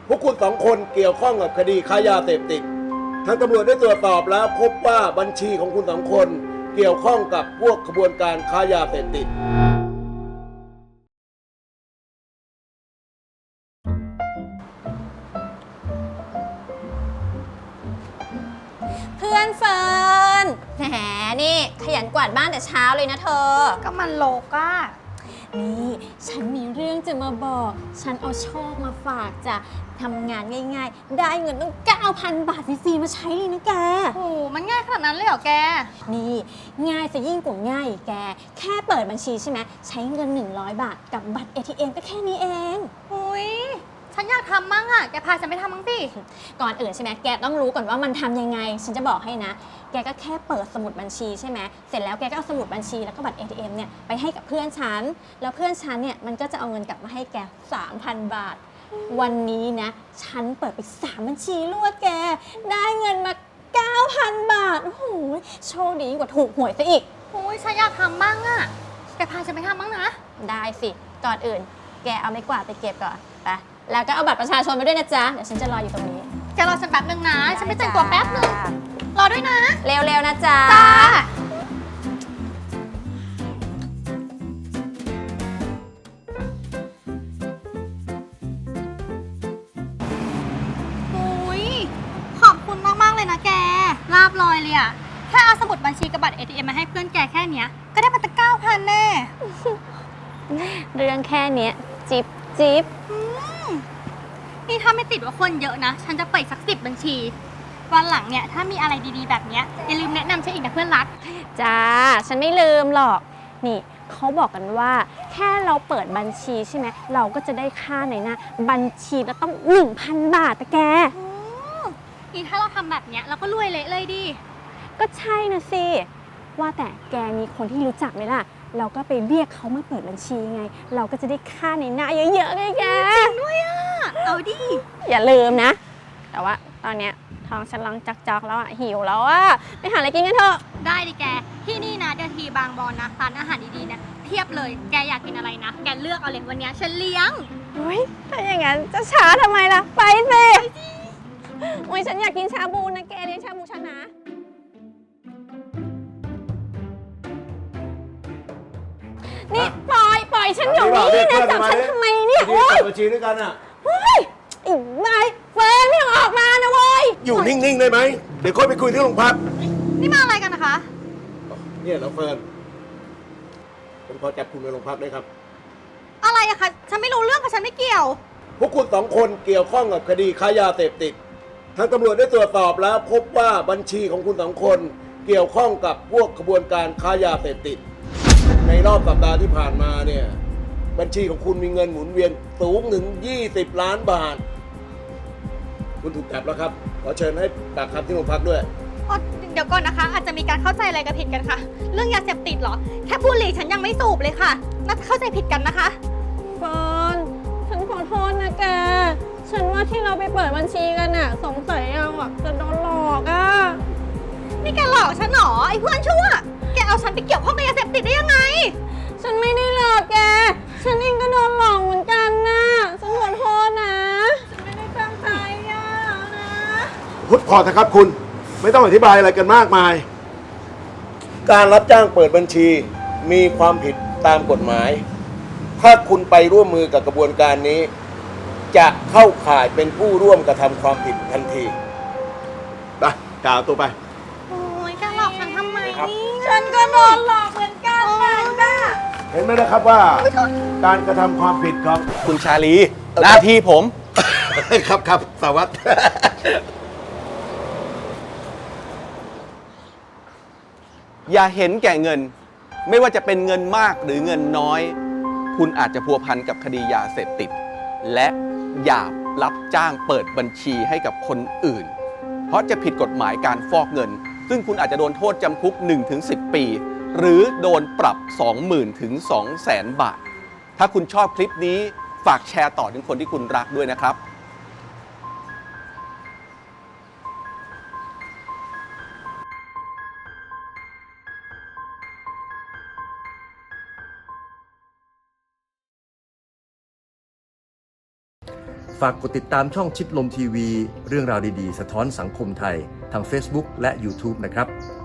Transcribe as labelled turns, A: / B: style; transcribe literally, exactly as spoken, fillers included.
A: พวกคุณสองคนเกี่ยวข้องกับคดีค้ายาเสพติดทางตำรวจได้ตรวจสอบแล้วพบว่าบัญชีของคุณสองคนเกี่ยวข้องกับพวกขบวนการค้ายาเสพติด
B: เพื่อนเฟิร์นแหมนี่ขยันกวาดบ้านแต่เช้าเลยนะเธอ
C: ก็มันโลกอะ
B: นี่ฉันมีเรื่องจะมาบอก ฉันเอาโชคมาฝากจะทำงานง่ายๆได้เงินตั้ง เก้าพัน บาทฟรีๆมาใช้เลยนะแก
C: โอ้มันง่ายขนาดนั้นเลยเหรอแก
B: นี่ง่ายซะยิ่งกว่าง่ายแกแค่เปิดบัญชีใช่ไหมใช้เงินหนึ่งร้อยบาทกับบัตร เอ ที เอ็ม ก็แค่นี้เอง
C: อุ้ยฉันอยากทำมั่งอะแกพาฉันไปทำมั่งสิ
B: ก่อนอื่นใช่ไหมแกต้องรู้ก่อนว่ามันทำยังไงฉันจะบอกให้นะแกก็แค่เปิดสมุดบัญชีใช่ไหมเสร็จแล้วแกก็เอาสมุดบัญชีแล้วก็บัตร เอ ที เอ็ม เนี่ยไปให้กับเพื่อนฉันแล้วเพื่อนฉันเนี่ยมันก็จะเอาเงินกลับมาให้แก สามพัน บาทวันนี้นะฉันเปิดไปสามบัญชีรวดแกได้เงินมา เก้าพัน บาทโอ้โหโชคดีกว่าถูกหวยซะอีก
C: โอ้ยฉันอยากทำมั่งอะแกพาฉันไปทำมั่งนะ
B: ได้สิก่อนอื่นแกเอาไม้กวาดไปเก็บก่อนไปแล้วก็เอาบัตรประชาชนไปด้วยนะจ๊ะเดี๋ยวฉันจะรออยู่ตรงนี้
C: แกรอฉันแป๊บนึงนะฉันไปแต่งตัวแป๊บนึงรอด้วยนะ
B: เร็วๆนะจ๊ะ
C: จ้าโอ้ยขอบคุณมากๆเลยนะแกราบลอยเลยอะแค่เอาสมุดบัญชีกับบัตร เอ ที เอ็ม มาให้เพื่อนแกแค่เนี้ยก็ได้มาตั้งเก้าพันแน่
B: เรื่องแค่เนี้ยจิบจิบ
C: นี่ถ้าไม่ติดว่าคนเยอะนะฉันจะเปิดสักสิบบัญชีวันหลังเนี่ยถ้ามีอะไรดีๆแบบเนี้ยอย่าลืมแนะนำฉันอีกนะเพื่อนรัก
B: จ้าฉันไม่ลืมหรอกนี่เขาบอกกันว่าแค่เราเปิดบัญชีใช่ไหมเราก็จะได้ค่าในหน้าบัญชีแล้วต้อง หนึ่งพัน บาทแต่แก
C: นี่ถ้าเราทำแบบเนี้ยเราก็รวยเละเลยดิ
B: ก็ใช่นะสิว่าแต่แกมีคนที่รู้จักไหมล่ะเราก็ไปเรียกเขามาเปิดบัญชีไงเราก็จะได้ค่าในหน้าเยอะๆไงแก
C: จริงด้วยอ่ะเอาดิ
B: อย่าลืมนะแต่ว่าตอนเนี้ยท้องฉันร้องจักๆแล้วอ่ะหิวแล้วอ่ะไปหาอะไรกินกันเถอะ
C: ได้ดิแกที่นี่นะเดอะทีบางบอนนะร้านอาหารดีๆเนี่ยเพียบเลยแกอยากกินอะไรนะแกเลือกเอาเลยวันนี้ฉันเลี้ยง
B: อุ้ยถ้าอย่างนั้นจะช้าทำไมล่ะไปสิอุ้ยฉันอยากกินชาบูนะแกเลี้ยงชาบูฉันนะนี่ปล่อยปล่อยฉันอยู่นี่นะจับฉันทำไมเนี่ย
A: โอ้ยบัญชีด้วยกันอ่ะ
B: เฮ้ยอีกนายเฟิร์นไม่ออกมานะเว้ย
A: อยู่นิ่งๆได้ไหมเดี๋ยวค่อยไปคุยที่โรงพัก
C: นี่มาอะไรกันนะคะ
A: เนี่ยเราเฟิร์นผมขอจับคุณไปโรงพักได้ครับ
C: อะไรอะคะฉันไม่รู้เรื่องค่ะฉันไม่เกี่ยว
A: พวกคุณสองคนเกี่ยวข้องกับคดีค้ายาเสพติดทางตำรวจได้ตรวจสอบแล้วพบว่าบัญชีของคุณสองคนเกี่ยวข้องกับพวกขบวนการค้ายาเสพติดในรอบสัปดาห์ที่ผ่านมาเนี่ยบัญชีของคุณมีเงินหมุนเวียนสูงถึงยี่สิบล้านบาทคุณถูกจับแล้วครับขอเชิญให้ปากคำที่โรงพักด้วย
C: เดี๋ยวก่อนนะคะอาจจะมีการเข้าใจอะไรกันผิดกันค่ะเรื่องยาเสพติดเหรอแค่บุหรี่ฉันยังไม่สูบเลยค่ะน่าจะเข้าใจผิดกันนะคะ
B: เฟิร์นฉันขอโทษนะแกฉันว่าที่เราไปเปิดบัญชีกันน่ะสงสัยเราอ่ะจะโดนหลอกอ่ะ
C: นี่แกหลอกฉันเหรอไอ้เพื่อนชั่วแกเอาฉันไปเกี่ยวข้องกับยาเสพติดได้ยังไง
B: ฉันไม่ได้หลอกแกฉันเองก็โดนหลอกเหมือนกันนะฉันขอโทษนะฉันไม่ได้ตั้งใจอ่ะนะ
A: พุทธพอเถอะครับคุณไม่ต้องอธิบายอะไรกันมากมายการรับจ้างเปิดบัญชีมีความผิดตามกฎหมายถ้าคุณไปร่วมมือกับกระบวนการนี้จะเข้าข่ายเป็นผู้ร่วมกระทำความผิดทันทีไปกล่าวตัวไป
C: โอ้ยแกหลอกฉันทำไมนี่
B: ฉันก็โดนหลอกเหมือนกันนะ
A: เห็นไหมนะครับว่าการกระทำความผิดของ
D: คุณชาลีหน้าที่ผม
A: ครับครับสวัสดิ์
D: อย่าเห็นแก่เงินไม่ว่าจะเป็นเงินมากหรือเงินน้อยคุณอาจจะพัวพันกับคดียาเสพติดและอย่ารับจ้างเปิดบัญชีให้กับคนอื่นเพราะจะผิดกฎหมายการฟอกเงินซึ่งคุณอาจจะโดนโทษจำคุก หนึ่งถึงสิบ ปีหรือโดนปรับ สองหมื่น ถึง สองแสน บาทถ้าคุณชอบคลิปนี้ฝากแชร์ต่อถึงคนที่คุณรักด้วยนะครับ
E: ฝากกดติดตามช่องชิดลมทีวีเรื่องราวดีๆสะท้อนสังคมไทยทาง Facebook และ YouTube นะครับ